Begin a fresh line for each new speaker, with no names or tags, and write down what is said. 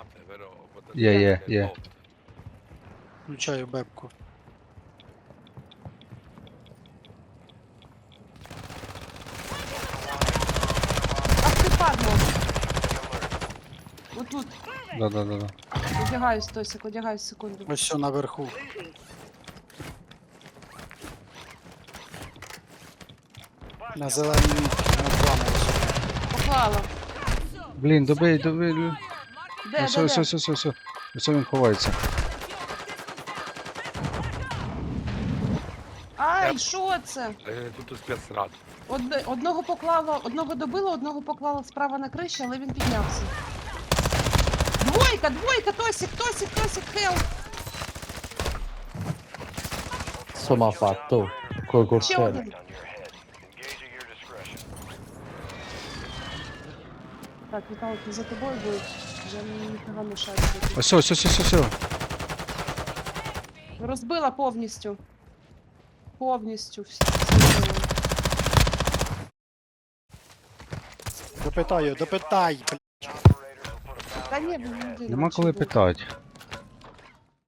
Є.
Включаю бебку.
Ах ти падло! Отут.
Да.
Одягаюсь, Тосик, одягаюсь секунду.
Ось що наверху. На зеленій мітці, на плану.
Поклала.
Блін, добий.
Де?
Все. Ось він ховається.
Ай, що це?
Тут спецрад.
Одного поклала, одного добила, одного поклала справа на криші, але він піднявся. Двойка, Тосик, хелп!
Insomma fatto col
Ще
corsello.
один. Так, Віталик, за тобою будуть. Вже ніфіга не шарить.
Ось.
Розбила повністю. Повністю все.
Допитай, блядь.
Та ні, він
Нема коли питати.